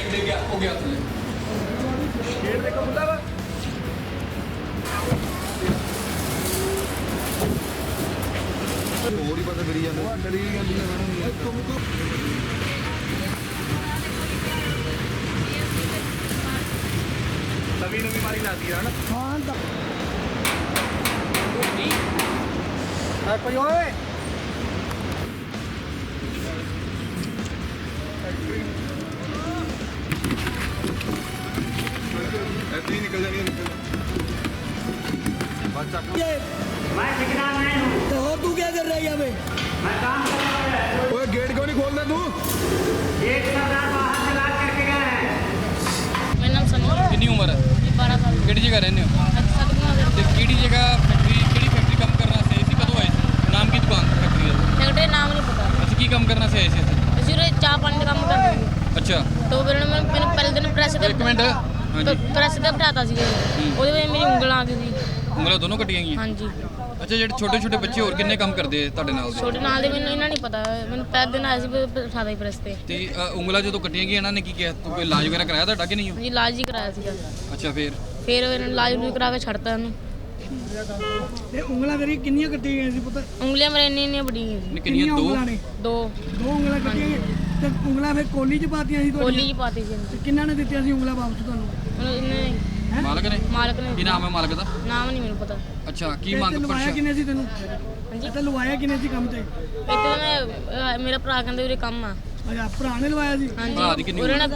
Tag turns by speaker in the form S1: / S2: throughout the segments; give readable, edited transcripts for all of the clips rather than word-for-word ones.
S1: हो गया थले
S2: गेट देखो खुला वा
S3: ਹੋਰ ਹੀ ਪਤਾ ਕਰੀ ਜਾਂਦੇ ਕਰੀ ਜਾਂਦੀ ਹੈ ਮੈਡਮ
S2: ਨਵੀਂ ਮਾਰੀ ਲੱਗਦੀ ਹੈ ਨਾ
S4: ਹਾਂ ਤਾਂ
S2: ਕੋਈ ਓਏ
S3: ऐसे ही निकल जानी बच्चा
S5: मैं ठेकेदार नहीं हूँ।
S4: तो और तू क्या कर रहा है यहाँ पे?
S5: मैं काम कर रहा हूँ।
S3: ओए गेट क्यों नहीं खोल रहा तू
S5: एक सरदार बाहर से लाद करके गए हैं।
S6: मेरा नाम सनी है।
S1: कितनी उम्र है
S6: 12 साल
S1: ਕਿਹੜੀ ਜਗ੍ਹਾ ਰਹਿੰਦੇ ਹੋ
S6: सतगुरु
S1: ਤੇ ਕਿਹੜੀ ਜਗ੍ਹਾ ਫੈਕਟਰੀ ਕਿਹੜੀ ਫੈਕਟਰੀ ਕੰਮ ਕਰਨਾ ਸੀ ਸੀ ਕਦੋਂ ਆਏ ਸੀ ਨਾਮ ਕੀ ਦੁਕਾਨ ਫੈਕਟਰੀ ਦਾ
S6: सेक्रेटरी नाम नहीं पता
S1: ਅੱਛਾ ਕੀ ਕੰਮ ਕਰਨਾ ਸੀ ਆਏ ਸੀ ਇੱਥੇ
S6: इसी चाय पानी का काम करते थे
S1: ਅੱਛਾ
S6: तो मैंने पहले दिन प्रेस
S1: ਇੱਕ ਮਿੰਟ
S6: तो
S1: ਹਾਂਜੀ
S6: प्रेस ਤੇ ਬਿਠਾਤਾ ਸੀ ਉਹਦੇ ਵਿੱਚ ਮੇਰੀ ਉਂਗਲਾਂ ਆ ਗਈ ਸੀ
S1: ਉਂਗਲਾਂ ਦੋਨੋਂ ਕੱਟੀਆਂ ਗਈਆਂ
S6: ਹਾਂਜੀ
S1: ਅੱਛਾ ਜਿਹੜੇ ਛੋਟੇ ਛੋਟੇ ਬੱਚੇ ਹੋਰ ਕਿੰਨੇ ਕੰਮ ਕਰਦੇ ਆ ਤੁਹਾਡੇ ਨਾਲ ਦੇ
S6: ਛੋਟੇ ਨਾਲ ਦੇ ਮੈਨੂੰ ਇਹਨਾਂ ਨਹੀਂ ਪਤਾ ਮੈਨੂੰ ਪਹਿਲੇ ਦਿਨ ਆਇਆ ਸੀ ਬਿਠਾਤਾ ਸੀ ਪ੍ਰੈਸ ਤੇ
S1: ਤੇ ਉਂਗਲਾਂ ਜਦੋਂ ਕੱਟੀਆਂ ਗਈਆਂ ਇਹਨਾਂ ਨੇ ਕੀ ਕਿਹਾ ਤੂੰ ਕੋਈ ਇਲਾਜ ਵਗੈਰਾ ਕਰਾਇਆ ਤੁਹਾਡਾ ਕਿ ਨਹੀਂ
S6: ਹਾਂਜੀ ਇਲਾਜ ਹੀ ਕਰਾਇਆ ਸੀਗਾ
S1: ਅੱਛਾ
S6: ਫਿਰ ਇਹਨਾਂ ਇਲਾਜ ਵੀ ਕਰਾ ਕੇ ਛੱਡਤਾ ਉਹਨੂੰ
S4: ਇਹ ਉਂਗਲਾਂ ਤੇਰੀ ਕਿੰਨੀਆਂ ਕੱਟੀਆਂ ਗਈਆਂ ਸੀ ਪੁੱਤ?
S6: ਉਂਗਲੀਆਂ ਮੇਰੇ ਇੰਨੀਆਂ ਵੱਡੀਆਂ ਸੀ
S1: ਕਿੰਨੀਆਂ ਦੋ
S4: ਉਂਗਲਾਂ ਨੇ?
S6: ਦੋ
S4: ਦੋ ਉਂਗਲਾਂ ਕੱਟੀਆਂ ਗਈਆਂ ਤੇ ਉਂਗਲਾਂ ਫਿਰ ਕੋਲੀ 'ਚ ਪਾਤੀਆਂ ਸੀ
S6: ਕੋਲੀ
S4: ਤੁਹਾਡੀਆਂ?
S6: ਜੀ ਪਾਤੀ ਸੀ
S4: ਤੇ ਕਿੰਨਾਂ ਨੇ ਦਿੱਤੀਆਂ ਸੀ ਉਂਗਲਾਂ ਵਾਪਸ ਤੁਹਾਨੂੰ?
S6: ਉਹਨੂੰ ਇਹਨੇ
S1: ਮਾਲਕ ਨੇ
S6: ਮਾਲਕ ਨੇ
S1: ਕੀ ਨਾਮ ਹੈ ਮਾਲਕ ਦਾ
S6: ਨਾਮ ਨਹੀਂ ਮੈਨੂੰ ਪਤਾ
S1: ਅੱਛਾ ਕੀ
S4: ਤੇ
S1: ਮੰਗ
S4: ਲਵਾਇਆ
S1: ਪ੍ਰਸ਼ਾ
S4: ਕਿੰਨੇ ਸੀ ਤੈਨੂੰ?
S6: ਹਾਂਜੀ
S4: ਤੇ ਲਵਾਇਆ ਕਿੰਨੇ ਸੀ ਕੰਮ ਤੇ?
S6: ਇੱਥੇ ਤਾਂ ਮੈਂ ਮੇਰਾ ਭਰਾ ਕਹਿੰਦੇ ਵੀਰੇ ਕੰਮ ਆ
S4: ਅੱਛਾ ਭਰਾ ਨੇ ਲਵਾਇਆ ਸੀ?
S1: ਭਰਾ ਦੀ ਕਿੰਨੀ
S6: ਉਹਨੇ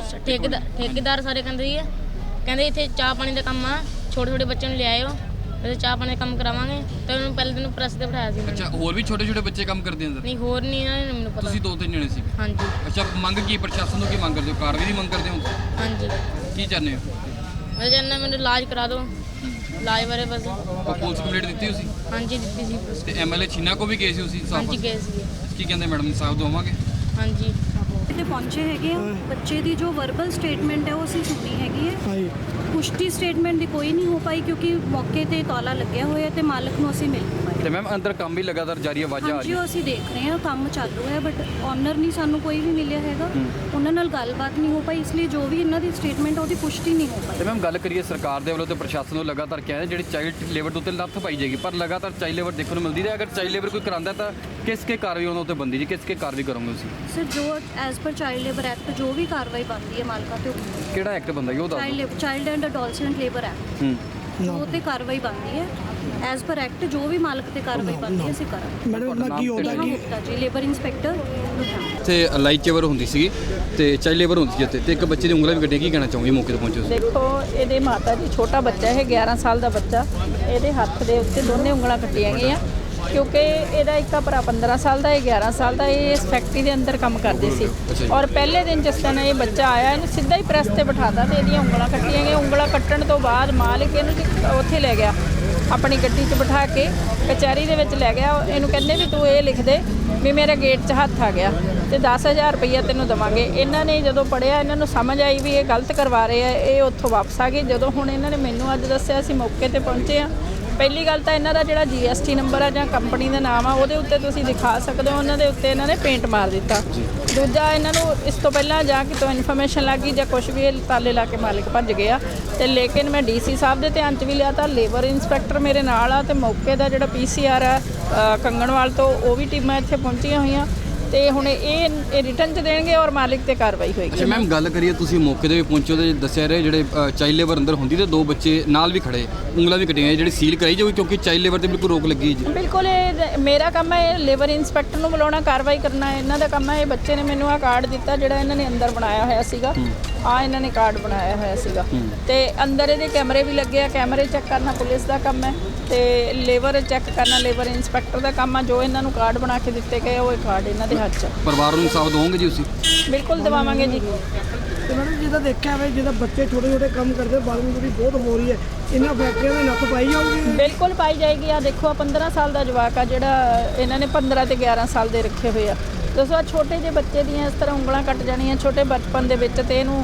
S6: ਠੇਕੇਦਾਰ ਸਾਰੇ ਕਹਿੰਦੇ ਸੀ ਕਹਿੰਦੇ ਇੱਥੇ ਚਾਹ ਪਾਣੀ ਦਾ ਕੰਮ ਆ ਛੋਟੇ ਛੋਟੇ ਬੱਚਿਆਂ ਨੂੰ ਲਿਆਇਓ ਤੇ ਚਾਹ ਪਾਣੀ ਦਾ ਕੰਮ ਕਰਾਵਾਂਗੇ ਤੇ ਉਹਨੂੰ ਪਹਿਲੇ ਦਿਨ ਪ੍ਰੈਸ ਤੇ ਬਿਠਾਇਆ ਸੀ ਉਹਨਾਂ ਨੇ।
S1: ਅੱਛਾ ਹੋਰ ਵੀ ਛੋਟੇ ਛੋਟੇ ਬੱਚੇ ਕੰਮ ਕਰਦੇ ਅੰਦਰ
S6: ਨਹੀਂ ਹੋਰ ਨਹੀਂ ਇਹਨਾਂ ਨੇ ਮੈਨੂੰ ਪਤਾ
S1: ਤੁਸੀਂ ਦੋ ਤਿੰਨ ਜਣੇ ਸੀ
S6: ਹਾਂਜੀ
S1: ਅੱਛਾ ਮੰਗ ਕੀ ਪ੍ਰਸ਼ਾਸਨ ਤੋਂ ਕੀ ਮੰਗ ਕਰਦੇ ਹੋ ਕਾਰਵਾਈ ਦੀ ਮੰਗ ਕਰਦੇ ਹੋ
S6: ਹਾਂਜੀ
S1: ਕੀ ਚਾਹੁੰਦੇ ਹੋ
S6: ਮੈਂ ਚਾਹੁੰਦਾ ਮੈਨੂੰ ਇਲਾਜ ਕਰਾ ਦਿਓ ਇਲਾਜ ਬਾਰੇ ਬਸ
S1: ਕੋਈ ਪੁਲਿਸ ਕੰਪਲੀਟ ਦਿੱਤੀ ਤੁਸੀਂ
S6: ਹਾਂਜੀ ਦਿੱਤੀ ਸੀ ਪੁਲਿਸ।
S1: ਤੇ ਐਮਐਲਏ ਛੀਨਾ ਕੋ ਵੀ ਗਏ ਸੀ ਤੁਸੀਂ
S6: ਹਾਂਜੀ ਗਏ ਸੀ
S1: ਕੀ ਕਹਿੰਦੇ ਮੈਡਮ ਇਨਸਾਫ ਦਵਾਵਾਂਗੇ
S6: ਹਾਂਜੀ
S7: ਤੇ ਪਹੁੰਚੇ ਹੈਗੇ ਆ ਬੱਚੇ ਦੀ ਜੋ ਵਰਬਲ ਸਟੇਟਮੈਂਟ ਹੈ ਉਹ ਅਸੀਂ ਸੁਣੀ ਹੈਗੀ ਹੈ
S4: ਹਾਂਜੀ
S7: ਪੁਸ਼ਟੀ ਸਟੇਟਮੈਂਟ ਦੀ ਕੋਈ ਨਹੀਂ ਹੋ ਪਾਈ ਕਿਉਂਕਿ ਮੌਕੇ ਤੇ ਤਾਲਾ ਲੱਗਿਆ ਹੋਇਆ ਤੇ ਮਾਲਕ ਨੂੰ ਅਸੀਂ ਮਿਲ ਨਹੀਂ ਪਾਏ
S1: ਤੇ ਮੈਮ ਅੰਦਰ ਕੰਮ ਵੀ ਲਗਾਤਾਰ ਜਾਰੀ ਆਵਾਜ਼ਾਂ ਆ
S7: ਹਾਂਜੀ
S1: ਰਹੀਆਂ
S7: ਉਹ ਅਸੀਂ ਦੇਖ ਰਹੇ ਹਾਂ ਕੰਮ ਚੱਲ ਰਿਹਾ ਬਟ ਓਨਰ ਨਹੀਂ ਸਾਨੂੰ ਕੋਈ ਵੀ ਮਿਲਿਆ ਹੈਗਾ ਉਹਨਾਂ ਨਾਲ ਗੱਲਬਾਤ ਨਹੀਂ ਹੋ ਪਾਈ ਇਸ ਲਈ ਜੋ ਵੀ ਇਹਨਾਂ ਦੀ ਸਟੇਟਮੈਂਟ ਉਹਦੀ ਪੁਸ਼ਟੀ ਨਹੀਂ ਹੋ
S1: ਤੇ
S7: ਪਾਈ
S1: ਮੈਮ ਗੱਲ ਕਰੀਏ ਸਰਕਾਰ ਦੇ ਵੱਲੋਂ ਤੇ ਪ੍ਰਸ਼ਾਸਨ ਨੂੰ ਲਗਾਤਾਰ ਕਿਹਾ ਜਿਹੜੀ ਚਾਈਲਡ ਲੇਬਰ ਦੇ ਉੱਤੇ ਲੱਥ ਪਾਈ ਜਾਏਗੀ ਪਰ ਲਗਾਤਾਰ ਚਾਈਲਡ ਲੇਬਰ ਦੇਖਣ ਨੂੰ ਮਿਲਦੀ ਹੈ ਅਗਰ ਚਾਈਲਡ ਲੇਬਰ ਕੋਈ ਕਰਾਂਦਾ ਤਾਂ ਕਿਸ ਕੇ ਕਾਰਵਾਈ ਉਹਨਾਂ ਉੱਤੇ ਬੰਦੀ ਜੀ ਕਿਸ ਕੇ ਕਾਰਵਾਈ ਕਰੋਗੇ ਤੁਸੀਂ
S7: ਸਰ ਜੋ as per child labour act ਜੋ ਵੀ ਕਾਰਵਾਈ ਬਣਦੀ ਹੈ ਮਾਲਕਾਂ ਤੇ
S1: ਕਿਹੜਾ ਐਕਟ ਬੰਦਾ ਉਹ ਦੱਸ ਦਿਓ
S7: child and adolescent labour act ਉਹ ਤੇ ਕਾਰਵਾਈ ਬਣਦੀ ਹੈ ਐਜ਼ ਪਰ ਐਕਟ ਜੋ ਵੀ ਮਾਲਕ ਤੇ ਕਾਰਵਾਈ ਬਣਦੀ ਹੈ ਅਸੀਂ ਕਰਾਂਗੇ
S4: ਮੈਡਮ ਦਾ ਕੀ ਹੋਦਾ
S7: ਨੇਹਾ
S4: ਕਿ
S7: ਗੁਪਤਾ ਜੀ ਲੇਬਰ ਇੰਸਪੈਕਟਰ ਲੁਧਿਆਣਾ
S1: ਤੇ ਲਾਈਟ ਚੇਵਰ ਹੁੰਦੀ ਸੀ ਤੇ ਚਾਈਲਡ ਲੇਬਰ ਹੁੰਦੀ ਸੀ ਇੱਥੇ ਤੇ ਇੱਕ ਬੱਚੇ ਦੀ ਉਂਗਲਾਂ ਵੀ ਕੱਢੀਆਂ ਕੀ ਕਹਿਣਾ ਚਾਹੋਗੇ ਮੌਕੇ ਤੇ ਪਹੁੰਚੇ ਤੁਸੀਂ
S8: ਦੇਖੋ ਇਹਦੇ ਮਾਤਾ ਜੀ ਛੋਟਾ ਬੱਚਾ ਹੈ 11 ਸਾਲ ਦਾ ਬੱਚਾ ਇਹਦੇ ਹੱਥ ਦੇ ਉੱਤੇ ਦੋਨੇ ਉਂਗਲਾਂ ਕੱਟੀਆਂ ਗਈਆਂ ਕਿਉਂਕਿ ਇਹਦਾ ਇੱਕ ਤਾਂ ਭਰਾ 15 ਸਾਲ ਦਾ ਇਹ 11 ਸਾਲ ਦਾ ਇਹ ਇਸ ਫੈਕਟਰੀ ਦੇ ਅੰਦਰ ਕੰਮ ਕਰਦੇ ਸੀ ਔਰ ਪਹਿਲੇ ਦਿਨ ਜਿਸ ਦਿਨ ਇਹ ਬੱਚਾ ਆਇਆ ਇਹਨੂੰ ਸਿੱਧਾ ਹੀ ਪ੍ਰੈਸ ਤੇ ਬਿਠਾਤਾ ਤੇ ਇਹਦੀਆਂ ਉਂਗਲਾਂ ਕੱਟੀਆਂ ਗਈਆਂ ਉਂਗਲਾਂ ਕੱਟਣ ਤੋਂ ਬਾਅਦ ਮਾਲਕ ਇਹਨੂੰ ਉੱਥੇ ਲੈ ਗਿਆ ਆਪਣੀ ਗੱਡੀ 'ਚ ਬਿਠਾ ਕੇ ਕਚਹਿਰੀ ਦੇ ਵਿੱਚ ਲੈ ਗਿਆ ਇਹਨੂੰ ਕਹਿੰਦੇ ਵੀ ਤੂੰ ਇਹ ਲਿਖ ਦੇ ਵੀ ਮੇਰੇ ਗੇਟ 'ਚ ਹੱਥ ਆ ਗਿਆ ਤੇ 10000 ਰੁਪਈਆ ਤੈਨੂੰ ਦੇਵਾਂਗੇ ਇਹਨਾਂ ਨੇ ਜਦੋਂ ਪੜਿਆ ਇਹਨਾਂ ਨੂੰ ਸਮਝ ਆਈ ਵੀ ਇਹ ਗਲਤ ਕਰਵਾ ਰਹੇ ਆ ਇਹ ਉੱਥੋਂ ਵਾਪਸ ਆ ਗਏ ਜਦੋਂ ਹੁਣ ਇਹਨਾਂ ਨੇ ਮੈਨੂੰ ਅੱਜ ਦੱਸਿਆ ਅਸੀਂ ਮੌਕੇ ਤੇ ਪਹੁੰਚੇ ਆ ਪਹਿਲੀ ਗੱਲ ਤਾਂ ਇਹਨਾਂ ਦਾ ਜਿਹੜਾ GST ਨੰਬਰ ਆ ਜਾਂ ਕੰਪਨੀ ਦਾ ਨਾਮ ਆ ਉਹਦੇ ਉੱਤੇ ਤੁਸੀਂ ਦਿਖਾ ਸਕਦੇ ਹੋ ਉਹਨਾਂ ਦੇ ਉੱਤੇ ਇਹਨਾਂ ਨੇ ਪੇਂਟ ਮਾਰ ਦਿੱਤਾ ਦੂਜਾ ਇਹਨਾਂ ਨੂੰ ਇਸ ਤੋਂ ਪਹਿਲਾਂ ਜਾਂ ਕਿਤੋਂ ਇਨਫੋਰਮੇਸ਼ਨ ਲੱਗੀ ਜਾਂ ਕੁਝ ਵੀ ਇਹ ਤਾਲੇ ਲਾ ਕੇ ਮਾਲਕ ਭੱਜ ਗਿਆ ਤੇ ਲੇਕਿਨ ਮੈਂ DC ਸਾਹਿਬ ਦੇ ਧਿਆਨ 'ਚ ਵੀ ਲਿਆ ਤਾਂ ਲੇਬਰ ਇੰਸਪੈਕਟਰ ਮੇਰੇ ਨਾਲ ਆ ਤੇ ਮੌਕੇ ਦਾ ਜਿਹੜਾ PCR ਆ ਕੰਗਣਵਾਲ ਤੋਂ ਉਹ ਵੀ ਟੀਮਾਂ ਇੱਥੇ ਪਹੁੰਚੀਆਂ ਹੋਈਆਂ ਤੇ ਹੁਣ ਇਹ ਰਿਟਰਨ 'ਚ ਦੇਣਗੇ ਔਰ ਮਾਲਿਕ ਤੇ ਕਾਰਵਾਈ ਹੋਏਗੀ
S1: ਅੱਛਾ ਮੈਮ ਗੱਲ ਕਰੀਏ ਤੁਸੀਂ ਮੌਕੇ ਤੇ ਵੀ ਪਹੁੰਚੋ ਤੇ ਦੱਸਿਆ ਰਹੇ ਜਿਹੜੇ ਚਾਈਲਡ ਲੇਬਰ ਅੰਦਰ ਹੁੰਦੀ ਤੇ ਦੋ ਬੱਚੇ ਨਾਲ ਵੀ ਖੜੇ ਉਂਗਲਾਂ ਵੀ ਕੱਟੀਆਂ ਜਿਹੜੀ ਸੀਲ ਕਰਾਈ ਜਾਊਗੀ ਕਿਉਂਕਿ ਚਾਈਲਡ ਲੇਬਰ ਤੇ ਬਿਲਕੁਲ ਰੋਕ ਲੱਗੀ ਜੀ
S8: ਬਿਲਕੁਲ ਇਹ ਮੇਰਾ ਕੰਮ ਹੈ ਲੇਬਰ ਇੰਸਪੈਕਟਰ ਨੂੰ ਬੁਲਾਉਣਾ ਕਾਰਵਾਈ ਕਰਨਾ ਇਹਨਾਂ ਦਾ ਕੰਮ ਹੈ ਇਹ ਬੱਚੇ ਨੇ ਮੈਨੂੰ ਆ ਕਾਰਡ ਦਿੱਤਾ ਜਿਹੜਾ ਇਹਨਾਂ ਨੇ ਅੰਦਰ ਬਣਾਇਆ ਹੋਇਆ ਸੀਗਾ ਆ ਇਹਨਾਂ ਨੇ ਕਾਰਡ ਬਣਾਇਆ ਹੋਇਆ ਸੀਗਾ ਤੇ ਅੰਦਰ ਇਹਦੇ ਕੈਮਰੇ ਵੀ ਲੱਗੇ ਆ ਕੈਮਰੇ ਚੈੱਕ ਕਰਨਾ ਪੁਲਿਸ ਦਾ ਕੰਮ ਹੈ ਤੇ ਲੇਬਰ ਚੈੱਕ ਕਰਨਾ ਲੇਬਰ ਇੰਸਪੈਕਟਰ ਦਾ ਕੰਮ ਆ ਜੋ ਇਹਨਾਂ ਨੂੰ ਕਾਰਡ ਬਣਾ ਕੇ ਦਿੱਤੇ ਗਏ ਉਹ ਕਾਰਡ ਇਹਨਾਂ ਦੇ ਹੱਥ 'ਚ
S1: ਪਰਿਵਾਰ ਨੂੰ ਇਨਸਾਫ ਦਵੋਗੇ ਜੀ ਤੁਸੀਂ
S8: ਬਿਲਕੁਲ ਦਿਵਾਵਾਂਗੇ ਜੀ
S4: ਤੇ ਮੈਡਮ ਜਿਹਦਾ ਦੇਖਿਆ ਹੋਵੇ ਜਿਹਦਾ ਬੱਚੇ ਛੋਟੇ ਛੋਟੇ ਕੰਮ ਕਰਦੇ ਬਾਲਮਜ਼ਦੂਰੀ ਬਹੁਤ ਹੋ ਰਹੀ ਹੈ ਇਹਨਾਂ ਫੈਕਟਰੀਆਂ ਦੀ ਨੱਥ ਪਾਈ ਜਾਊਗੀ?
S8: ਬਿਲਕੁਲ ਪਾਈ ਜਾਏਗੀ ਆ ਦੇਖੋ ਆ 15 ਸਾਲ ਦਾ ਜਵਾਕ ਆ ਜਿਹੜਾ ਇਹਨਾਂ ਨੇ 15 ਤੇ 11 ਸਾਲ ਦੇ ਰੱਖੇ ਹੋਏ ਆ ਦੱਸੋ ਆ ਛੋਟੇ ਜਿਹੇ ਬੱਚੇ ਦੀਆਂ ਇਸ ਤਰ੍ਹਾਂ ਉਂਗਲਾਂ ਕੱਟ ਜਾਣੀਆਂ ਛੋਟੇ ਬਚਪਨ ਦੇ ਵਿੱਚ ਤੇ ਇਹਨੂੰ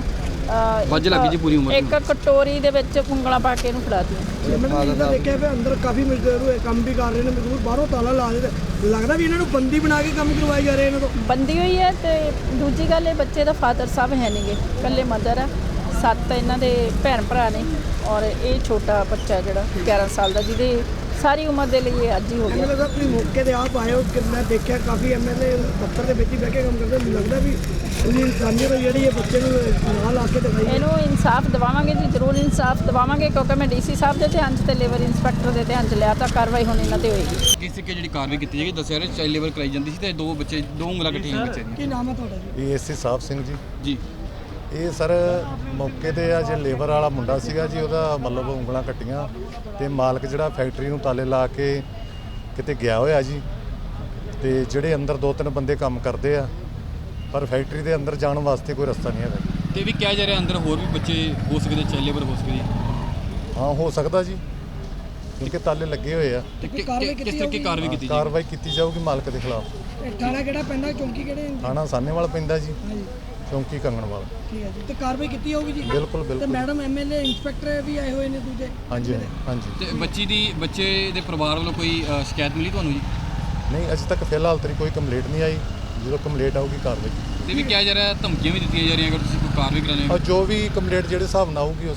S1: ਵੱਜ ਲੱਗੀ ਜੀ ਪੂਰੀ ਉਮਰ ਨੂੰ।
S8: ਇੱਕ ਕਟੋਰੀ ਦੇ ਵਿੱਚ ਉਂਗਲਾਂ ਪਾ ਕੇ ਇਹਨੂੰ ਫੜਾ ਦਿੱਤੀਆਂ।
S4: ਮੈਡਮ ਜਿੱਦਾਂ ਦੇਖਿਆ ਵੀ ਅੰਦਰ ਕਾਫੀ ਮਜ਼ਦੂਰ ਹੋਏ ਕੰਮ ਵੀ ਕਰ ਰਹੇ ਨੇ ਮਜ਼ਦੂਰ ਬਾਹਰੋਂ ਤਾਲਾ ਲਾ ਦੇ ਲੱਗਦਾ ਵੀ ਇਹਨਾਂ ਨੂੰ ਬੰਦੀ ਬਣਾ ਕੇ ਕੰਮ ਕਰਵਾਏ ਜਾ ਰਹੇ ਇਹਨਾਂ ਤੋਂ।
S8: ਬੰਦੀ ਹੋਈ ਹੈ ਤੇ ਦੂਜੀ ਗੱਲ ਇਹ ਬੱਚੇ ਦਾ ਫਾਦਰ ਸਾਹਿਬ ਹੈ ਨਹੀਂਗੇ, ਇਕੱਲੇ ਮਦਰ ਆ। 7 ਇਹਨਾਂ ਦੇ ਭੈਣ ਭਰਾ ਨੇ ਔਰ ਇਹ ਛੋਟਾ ਬੱਚਾ ਜਿਹੜਾ 11 ਸਾਲ ਦਾ ਜਿਹਦੇ ਸਾਰੀ ਉਮਰ ਦੇ ਲਈ ਇਹ ਅੱਜ ਹੀ ਹੋ ਗਿਆ।
S4: ਐਮਐਲਏ ਸਾਹਿਬ ਤੁਸੀਂ ਮੌਕੇ ਤੇ ਆਪ ਆਏ ਹੋ ਕਿ ਮੈਂ ਦੇਖਿਆ ਕਾਫੀ ਐਮਐਲਏ ਦਫ਼ਤਰ ਦੇ ਵਿੱਚ ਹੀ ਬਹਿ ਕੇ ਕੰਮ ਕਰਦੇ, ਮੈਨੂੰ ਲੱਗਦਾ ਵੀ ਉਹਦੀ ਇਨਸਾਨੀਅਤ ਜਿਹੜੀ ਇਹ ਬੱਚੇ ਨੂੰ ਨਾਲ ਲਾ ਕੇ ਦਿਖਾਈ ਹੈ।
S8: ਇਹਨੂੰ ਇਨਸਾਫ ਦਿਵਾਵਾਂਗੇ ਜੀ, ਜ਼ਰੂਰ ਇਨਸਾਫ ਦਿਵਾਵਾਂਗੇ ਕਿਉਂਕਿ ਮੈਂ ਡੀਸੀ ਸਾਹਿਬ ਦੇ ਧਿਆਨ 'ਚ ਤੇ ਲੇਬਰ ਇੰਸਪੈਕਟਰ ਦੇ ਧਿਆਨ 'ਚ ਲਿਆ ਤਾਂ ਕਾਰਵਾਈ ਹੁਣ ਇਹਨਾਂ ਤੇ ਹੋਏਗੀ।
S1: ਕਿਸ ਤਰੀਕੇ ਜਿਹੜੀ ਕਾਰਵਾਈ ਕੀਤੀ ਜਾਏਗੀ ਦੱਸਿਆ ਰਿਹਾ ਚਾਈਲਡ ਲੇਬਰ ਕਰਾਈ ਜਾਂਦੀ ਸੀ ਤੇ ਦੋ ਉਂਗਲਾਂ ਕੱਟੀਆਂ ਬੱਚੇ ਦੀਆਂ।
S4: ਕੀ ਨਾਮ ਹੈ ਤੁਹਾਡਾ ਜੀ?
S9: ਏਐਸਸੀ ਸਾਹਿਬ ਸਿੰਘ ਜੀ।
S1: ਜੀ
S9: ਇਹ ਸਰ ਮੌਕੇ ਤੇ ਆ ਜੇ ਲੇਬਰ ਵਾਲਾ ਮੁੰਡਾ ਸੀਗਾ ਜੀ, ਉਹਦਾ ਮਤਲਬ ਉਂਗਲਾਂ ਕੱਟੀਆਂ ਤੇ ਮਾਲਕ ਜਿਹੜਾ ਫੈਕਟਰੀ ਨੂੰ ਤਾਲੇ ਲਾ ਕੇ ਕਿਤੇ ਗਿਆ ਹੋਇਆ ਜੀ। ਤੇ ਜਿਹੜੇ ਅੰਦਰ 2-3 ਬੰਦੇ ਕੰਮ ਕਰਦੇ ਆ ਪਰ ਫੈਕਟਰੀ ਦੇ ਅੰਦਰ ਜਾਣ ਵਾਸਤੇ ਕੋਈ ਰਸਤਾ ਨਹੀਂ ਹੈਗਾ।
S1: ਤੇ ਵੀ ਕਿਹਾ ਜਾ ਰਿਹਾ ਅੰਦਰ ਹੋਰ ਵੀ ਬੱਚੇ ਹੋ ਸਕਦੇ, ਚਾਈਲਡ ਲੇਬਰ ਹੋ ਸਕਦੀ।
S9: ਹਾਂ ਹੋ ਸਕਦਾ ਜੀ ਕਿਉਂਕਿ ਤਾਲੇ ਲੱਗੇ ਹੋਏ ਆ।
S1: ਤੇ ਕਿਸ ਤਰੀਕੇ ਕਾਰਵਾਈ ਕੀਤੀ ਜਾਏਗੀ?
S9: ਕਾਰਵਾਈ ਕੀਤੀ ਜਾਊਗੀ ਮਾਲਕ ਦੇ ਖਿਲਾਫ।
S4: ਇਹ ਥਾਣਾ ਕਿਹੜਾ ਪੈਂਦਾ, ਚੌਂਕੀ ਕਿਹੜੇ?
S9: ਥਾਣਾ ਸਾਹਨੇਵਾਲ ਪੈਂਦਾ ਜੀ,
S4: ਹਾਂਜੀ
S9: ਚੌਂਕੀ ਕੰਗਣਵਾਲ।
S4: ਠੀਕ ਹੈ ਜੀ, ਤੇ ਕਾਰਵਾਈ ਕੀਤੀ ਜਾਊਗੀ ਜੀ?
S9: ਬਿਲਕੁਲ
S4: ਤੇ
S9: ਬਿਲਕੁਲ।
S4: ਮੈਡਮ ਐਮਐਲਏ ਇੰਸਪੈਕਟਰ ਵੀ ਆਏ ਹੋਏ ਨੇ ਦੂਜੇ?
S9: ਹਾਂਜੀ ਹਾਂਜੀ।
S1: ਤੇ ਬੱਚੇ ਦੇ ਪਰਿਵਾਰ ਵੱਲੋਂ ਕੋਈ ਸ਼ਿਕਾਇਤ ਮਿਲੀ ਤੁਹਾਨੂੰ ਜੀ?
S9: ਨਹੀਂ ਅਜੇ ਤੱਕ ਫਿਲਹਾਲ ਤੇਰੀ ਕੋਈ ਕੰਪਲੇਂਟ ਨਹੀਂ ਆਈ, ਜਦੋਂ ਕੰਪਲੇਂਟ ਆਊਗੀ ਕਾਰਵਾਈ।
S1: ਤੇ ਵੀ ਕਿਹਾ ਜਾ ਰਿਹਾ ਧਮਕੀਆਂ ਵੀ ਦਿੱਤੀਆਂ ਜਾ ਰਹੀਆਂ ਅਗਰ ਤੁਸੀਂ ਕੋਈ ਕਾਰਵਾਈ ਕਰਾਉਂਦੇ ਹੋ।
S9: ਔਰ ਜੋ ਵੀ ਕੰਪਲੇਂਟ ਜਿਹੜੇ ਹਿਸਾਬ ਨਾਲ ਆਊਗੀ ਉਸ